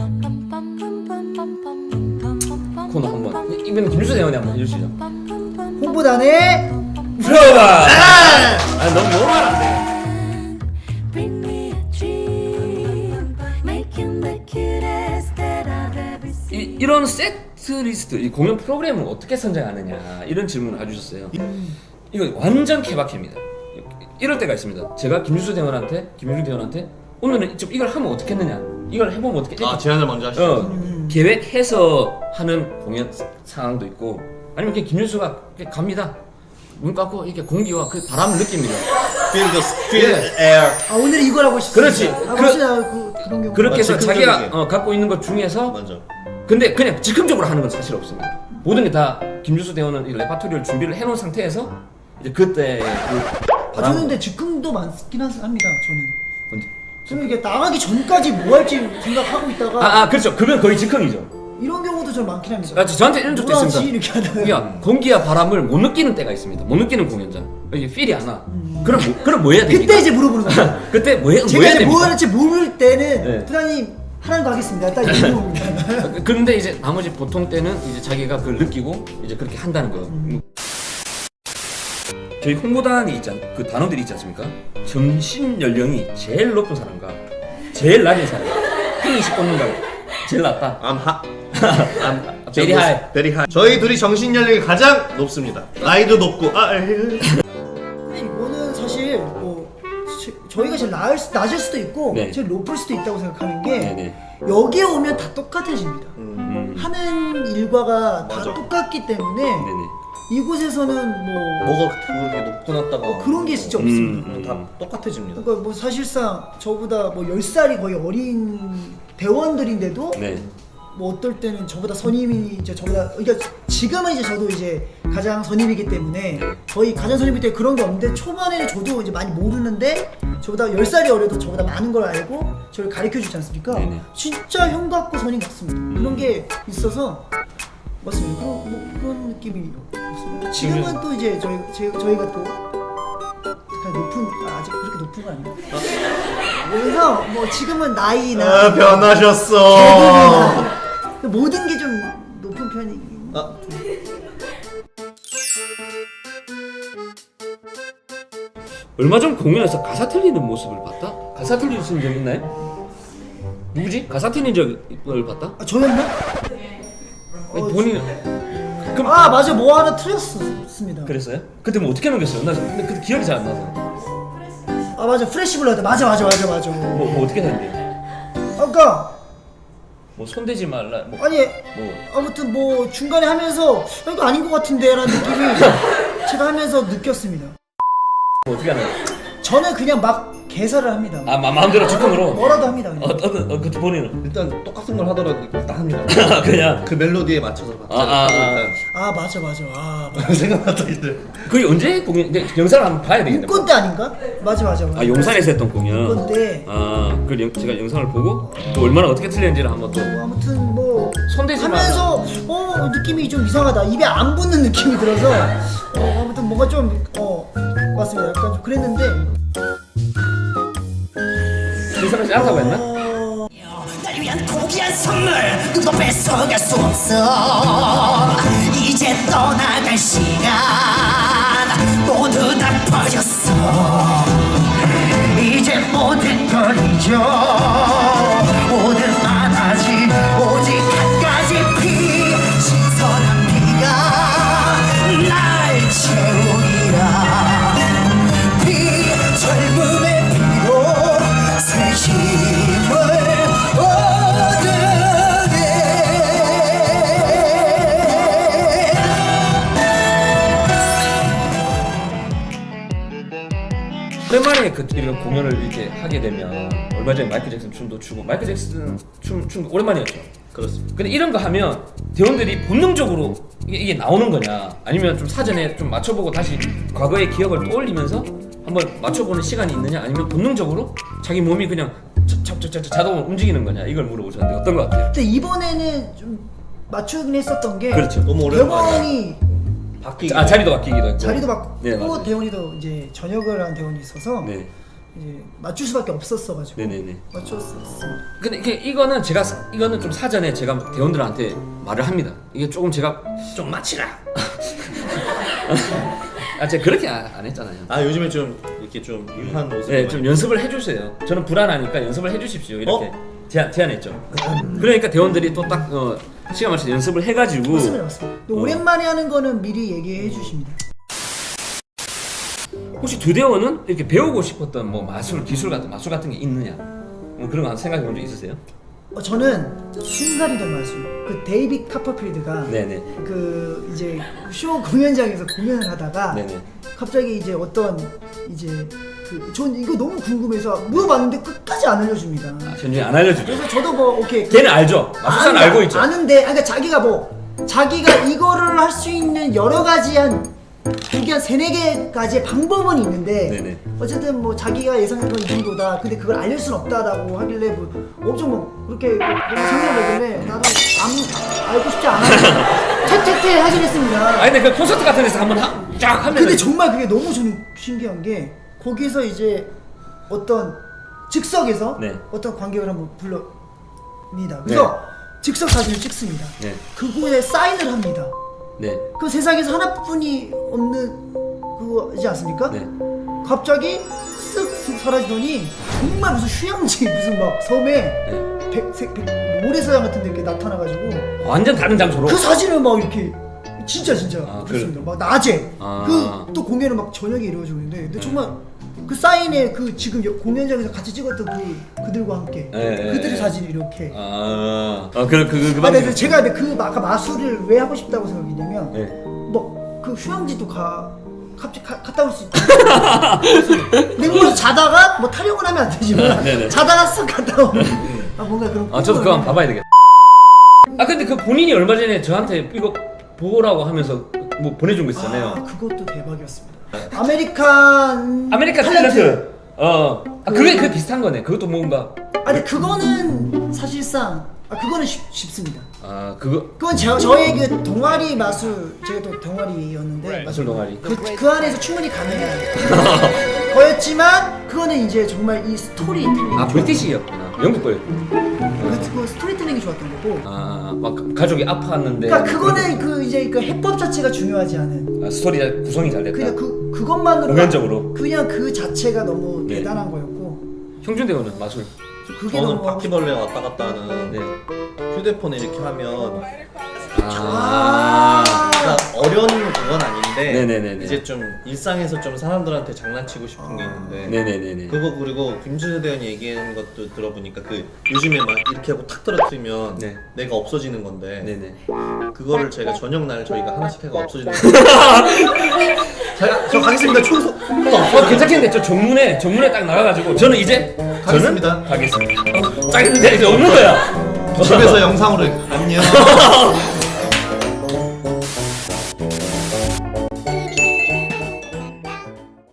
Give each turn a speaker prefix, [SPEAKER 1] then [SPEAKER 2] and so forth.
[SPEAKER 1] 코너 한번 이번엔 김유수 대원이 한번 해주시죠.
[SPEAKER 2] 홍보단의
[SPEAKER 1] 들어봐. 너무 말안돼. 이런 세트 리스트, 이 공연 프로그램을 어떻게 선정하느냐 이런 질문을 해주셨어요. 이거 완전 케바케입니다. 이럴 때가 있습니다. 제가 김유수 대원한테 오늘은 좀 이걸 하면 어떻겠느냐, 이걸 해보면 어떻게?
[SPEAKER 3] 제안을 먼저 하시죠.
[SPEAKER 1] 계획해서 하는 공연 상황도 있고, 아니면 그냥 김유수가 그냥 갑니다. 문 닫고 이렇게 공기와 그 바람을 느낍니다.
[SPEAKER 3] feel air.
[SPEAKER 2] 오늘 이걸 하고 싶어.
[SPEAKER 1] 그렇지.
[SPEAKER 2] 그런 경우.
[SPEAKER 1] 그렇게 해서
[SPEAKER 3] 즉흥적이게.
[SPEAKER 1] 자기가 갖고 있는 것 중에서
[SPEAKER 3] 먼저.
[SPEAKER 1] 근데 그냥 즉흥적으로 하는 건 사실 없습니다. 모든 게 다 김유수 대원은 이 레파토리를 준비를 해놓은 상태에서 이제 그때 그 바람.
[SPEAKER 2] 저는 근데 즉흥도 많긴 합니다. 저는.
[SPEAKER 1] 언제?
[SPEAKER 2] 저는 이게 나가기 전까지 뭐 할지 생각하고 있다가
[SPEAKER 1] 그렇죠. 그건 거의 즉흥이죠.
[SPEAKER 2] 이런 경우도 좀 많긴 합니다.
[SPEAKER 1] 저한테 이런 적도
[SPEAKER 2] 뭐하지?
[SPEAKER 1] 있습니다.
[SPEAKER 2] 이렇게 하다가.
[SPEAKER 1] 그러니까 공기와 바람을 못 느끼는 때가 있습니다. 못 느끼는 공연자. 이게 필이 안 와. 그럼 뭐 해야 됩니까?
[SPEAKER 2] 그때 이제 물어보는 거예요.
[SPEAKER 1] 그때 뭐 해야
[SPEAKER 2] 제가 이제
[SPEAKER 1] 됩니까?
[SPEAKER 2] 뭐 할지 모를 때는
[SPEAKER 1] 네.
[SPEAKER 2] 부장님 하라는 거 하겠습니다. 딱 이렇게 물어봅니다.
[SPEAKER 1] 근데 이제 나머지 보통 때는 이제 자기가 그걸 느끼고 이제 그렇게 한다는 거예요. 저희 홍보단이 그 단원들이 있지 않습니까? 정신 연령이 제일 높은 사람과 제일 낮은 사람, 행위식 꽂는다고 제일 낮다.
[SPEAKER 3] I'm
[SPEAKER 1] Very high.
[SPEAKER 3] Very high. 저희 둘이 정신 연령이 가장 높습니다. 나이도 높고.
[SPEAKER 2] 근데 이거는 사실 뭐 저희가 제일 낮을 수도 있고
[SPEAKER 1] 네.
[SPEAKER 2] 제일 높을 수도 있다고 생각하는 게
[SPEAKER 1] 네네.
[SPEAKER 2] 여기에 오면 다 똑같아집니다. 하는 일과가 다
[SPEAKER 3] 맞아.
[SPEAKER 2] 똑같기 때문에
[SPEAKER 1] 네네.
[SPEAKER 2] 이곳에서는
[SPEAKER 3] 뭐가 그렇게 높고 낮다가
[SPEAKER 2] 그런 게 진짜 없습니다.
[SPEAKER 3] 다 똑같아집니다.
[SPEAKER 2] 그러니까 뭐 사실상 저보다 뭐 10살이 거의 어린 대원들인데도
[SPEAKER 1] 네.
[SPEAKER 2] 뭐 어떨 때는 저보다 선임이 이제 저보다, 그러니까 지금은 이제 저도 이제 가장 선임이기 때문에 거의 가장 선임일 때 그런 게 없는데, 초반에는 저도 이제 많이 모르는데 저보다 10살이 어려도 저보다 많은 걸 알고 저를 가르쳐 주지 않습니까?
[SPEAKER 1] 네네.
[SPEAKER 2] 진짜 형 같고 선임 같습니다. 그런 게 있어서 맞습니다. 그런 느낌이 없습니다. 지금은 또 이제 저희가 또 그냥 높은, 아직 그렇게 높은 거 아니에요? 그래서 뭐 지금은 나이나
[SPEAKER 3] 변하셨어.
[SPEAKER 2] 모든 게 좀 높은 편이긴.
[SPEAKER 1] 얼마 전 공연에서 가사 틀리는 모습을 봤다? 가사 틀리신 적 있나요? 누구지? 가사 틀린 적을 봤다?
[SPEAKER 2] 저였나?
[SPEAKER 1] 아니, 본인은 그럼
[SPEAKER 2] 맞아, 뭐 하나 틀렸습니다.
[SPEAKER 1] 그랬어요? 그때 뭐 어떻게 넘겼어요? 나 근데 그때 기억이 잘 안 나서.
[SPEAKER 2] 맞아, 프레시 블러드. 맞아.
[SPEAKER 1] 뭐 어떻게 됐는데?
[SPEAKER 2] 아까
[SPEAKER 1] 뭐 손대지 말라. 뭐
[SPEAKER 2] 아무튼 뭐 중간에 하면서 이거 아닌 것 같은데라는 느낌이 제가 하면서 느꼈습니다.
[SPEAKER 1] 뭐 어떻게 하나요?
[SPEAKER 2] 저는 그냥 막 개사를 합니다.
[SPEAKER 1] 마음대로 즉흥으로.
[SPEAKER 2] 뭐라도 합니다. 그냥.
[SPEAKER 1] 그때 본인은
[SPEAKER 3] 일단 똑같은 걸 하더라도 일단 합니다.
[SPEAKER 1] 그냥
[SPEAKER 3] 그 멜로디에 맞춰서 박자를
[SPEAKER 2] 맞아.
[SPEAKER 3] 생각났다 이제.
[SPEAKER 1] 그게 언제 공연? 근데 영상을 한번 봐야 되겠네.
[SPEAKER 2] 문건 때 아닌가? 맞아.
[SPEAKER 1] 용산에서 했던 공연.
[SPEAKER 2] 문건 때.
[SPEAKER 1] 그 제가 영상을 보고 또 얼마나 어떻게 틀렸는지를 한번 또.
[SPEAKER 2] 아무튼 뭐
[SPEAKER 1] 손대지 마.
[SPEAKER 2] 하면서 느낌이 좀 이상하다. 입에 안 붙는 느낌이 들어서 아무튼 뭔가 좀 맞습니다. 약간 좀 그랬는데.
[SPEAKER 1] 그 사람이 알았다고 했나?
[SPEAKER 4] 날 위한 고귀한 선물 누구도 뺏어갈 수 없어. 이제 떠나갈 시간 모두 다 퍼졌어. 이제 모든 걸 잊어. 모든 바다지 오직 한 가지 피, 신선한 피가 날 채우리라. 피, 젊음의 피로 새 힘을 얻으게.
[SPEAKER 1] 오랜만에 이런 공연을 이렇게 하게 되면 얼마 전에 마이클 잭슨 춤도 추고, 마이클 잭슨 춤 오랜만이었죠.
[SPEAKER 3] 그렇습니다.
[SPEAKER 1] 근데 이런 거 하면 대원들이 본능적으로 이게 나오는 거냐, 아니면 좀 사전에 좀 맞춰보고 다시 과거의 기억을 떠올리면서 한번 맞춰보는 시간이 있느냐, 아니면 본능적으로 자기 몸이 그냥 자동으로 움직이는 거냐, 이걸 물어보셨는데 어떤 거 같아요?
[SPEAKER 2] 근데 이번에는 좀 맞추긴 했었던 게,
[SPEAKER 1] 그렇죠.
[SPEAKER 3] 너무 오랜만이야.
[SPEAKER 2] 대원이
[SPEAKER 3] 바뀌기.
[SPEAKER 1] 자리도 바뀌기도 했고.
[SPEAKER 2] 자리도 바꾸고
[SPEAKER 1] 네, 맞아요.
[SPEAKER 2] 대원이도 이제 전역을 한 대원이 있어서
[SPEAKER 1] 네.
[SPEAKER 2] 이제 맞출 수밖에 없었어가지고
[SPEAKER 1] 네네네.
[SPEAKER 2] 맞췄습니다.
[SPEAKER 1] 근데 이거는 이거는 좀 사전에 제가 대원들한테 말을 합니다. 이게 조금 제가 좀 맞히라. 제가 그렇게 안 했잖아요.
[SPEAKER 3] 요즘에 좀 이렇게 좀 유한 모습.
[SPEAKER 1] 네, 좀 연습을 해주세요. 저는 불안하니까 연습을 해주십시오. 이렇게 제안했죠. 그러니까 대원들이 또 딱 시간 맞춰서 연습을 해가지고.
[SPEAKER 2] 맞습니다. 근데 오랜만에 하는 거는 미리 얘기해 주십니다.
[SPEAKER 1] 혹시 두 대원은 이렇게 배우고 싶었던 뭐 마술 같은 게 있느냐? 뭐 그런 거 생각해 본 적 있으세요?
[SPEAKER 2] 저는 순간이동 마술. 그 데이빗 카퍼필드가
[SPEAKER 1] 네네.
[SPEAKER 2] 그 이제 쇼 공연장에서 공연을 하다가
[SPEAKER 1] 네네.
[SPEAKER 2] 갑자기 이제 어떤 이제 전 이거 너무 궁금해서 물어봤는데 끝까지 안 알려줍니다.
[SPEAKER 1] 현준이 안 알려주죠.
[SPEAKER 2] 그래서 저도 뭐 오케이.
[SPEAKER 1] 걔는 알죠. 마술사는 알고 있죠.
[SPEAKER 2] 아는데, 그러니까 자기가 이거를 할 수 있는 여러 가지 그게 한 3-4개까지의 방법은 있는데
[SPEAKER 1] 네네.
[SPEAKER 2] 어쨌든 뭐 자기가 예상한 건 이 정도다. 근데 그걸 알릴 순 없다라고 하길래 뭐 엄청 뭐 그렇게 생각하길래 나도 알고 싶지 않아. 퇴퇴퇴 하긴 했습니다.
[SPEAKER 1] 아니 근데 그 콘서트 같은 데서 한번 쫙 하면.
[SPEAKER 2] 근데 정말 그게 너무 저는 신기한 게 거기서 이제 어떤 즉석에서
[SPEAKER 1] 네.
[SPEAKER 2] 어떤 관객을 한번 불러니다. 그래서 즉석 사진을 찍습니다.
[SPEAKER 1] 네.
[SPEAKER 2] 그거에 사인을 합니다.
[SPEAKER 1] 네.
[SPEAKER 2] 그 세상에서 하나뿐이 없는 그거지 않습니까?
[SPEAKER 1] 네.
[SPEAKER 2] 갑자기 쓱 사라지더니 정말 무슨 휴양지 무슨 막 섬에 모래사장 같은 데 이렇게 나타나가지고
[SPEAKER 1] 완전 다른 장소로.
[SPEAKER 2] 그 사진을 막 이렇게 진짜
[SPEAKER 1] 아,
[SPEAKER 2] 그렇습니다. 막 낮에
[SPEAKER 1] 아.
[SPEAKER 2] 그 또 공연은 막 저녁에 이루어지고 있는데 근데 정말 그 사인에 그 지금 공연장에서 같이 찍었던 그들과 함께 그들의 사진이 이렇게
[SPEAKER 1] 그
[SPEAKER 2] 근데 제가 근데 아까 마술을 왜 하고 싶다고 생각했냐면
[SPEAKER 1] 네.
[SPEAKER 2] 뭐 그 휴양지도 갑자기 갔다 올 수 있다. 근데 뭐 자다가 뭐 타령은 하면 안 되지만
[SPEAKER 1] 네네.
[SPEAKER 2] 자다가 쓱 갔다 오는 뭔가 그런
[SPEAKER 1] 저도 그거 한번 봐봐야 되겠다. 근데 그 본인이 얼마 전에 저한테 이거 보라고 하면서 뭐 보내준 거 있었잖아요.
[SPEAKER 2] 그것도 대박이었습니다. 아메리칸
[SPEAKER 1] 탤런트. 그게 비슷한 거네. 그것도 뭔가.
[SPEAKER 2] 근데 그거는 사실상 그거는 쉽습니다.
[SPEAKER 1] 그건
[SPEAKER 2] 저의 그 동아리 마술, 제가 또 동아리였는데
[SPEAKER 1] 마술 동아리.
[SPEAKER 2] 그 안에서 충분히 가능해요. 거였지만 그거는 이제 정말 이 스토리텔링.
[SPEAKER 1] 브리티시였구나. 영국 거였구나.
[SPEAKER 2] 그 스토리텔링이 좋았던 거고.
[SPEAKER 1] 막 가족이 아팠는데.
[SPEAKER 2] 그러니까 그거는 이제 그 해법 자체가 중요하지 않은.
[SPEAKER 1] 스토리 구성이 잘 됐다.
[SPEAKER 2] 그냥 그것만으로.
[SPEAKER 1] 공연적으로.
[SPEAKER 2] 그냥 그 자체가 너무
[SPEAKER 1] 네.
[SPEAKER 2] 대단한 거였고.
[SPEAKER 1] 형준 대원은 마술.
[SPEAKER 2] 그게
[SPEAKER 3] 저는
[SPEAKER 2] 너무
[SPEAKER 3] 바퀴벌레 왔다 갔다 하는
[SPEAKER 1] 네.
[SPEAKER 3] 휴대폰에 이렇게 하면
[SPEAKER 2] 아.
[SPEAKER 3] 그러니까 어려운 그건 아닌데
[SPEAKER 1] 네네네네.
[SPEAKER 3] 이제 좀 일상에서 좀 사람들한테 장난치고 싶은 게 있는데
[SPEAKER 1] 네네네네.
[SPEAKER 3] 그거 그리고 김준호 대원이 얘기하는 것도 들어보니까 요즘에 막 이렇게 하고 탁 떨어뜨리면
[SPEAKER 1] 네.
[SPEAKER 3] 내가 없어지는 건데
[SPEAKER 1] 네네.
[SPEAKER 3] 그거를 제가 저녁 날 저희가 하나씩 해가 없어지는 거 저 가겠습니다. 총소
[SPEAKER 1] 괜찮겠는데 저 정문에 딱 나가가지고 저는 이제
[SPEAKER 3] 가겠습니다.
[SPEAKER 1] 저는 가겠습니다. 짱인데 이제 없는 거야.
[SPEAKER 3] 집에서 영상으로 안녕.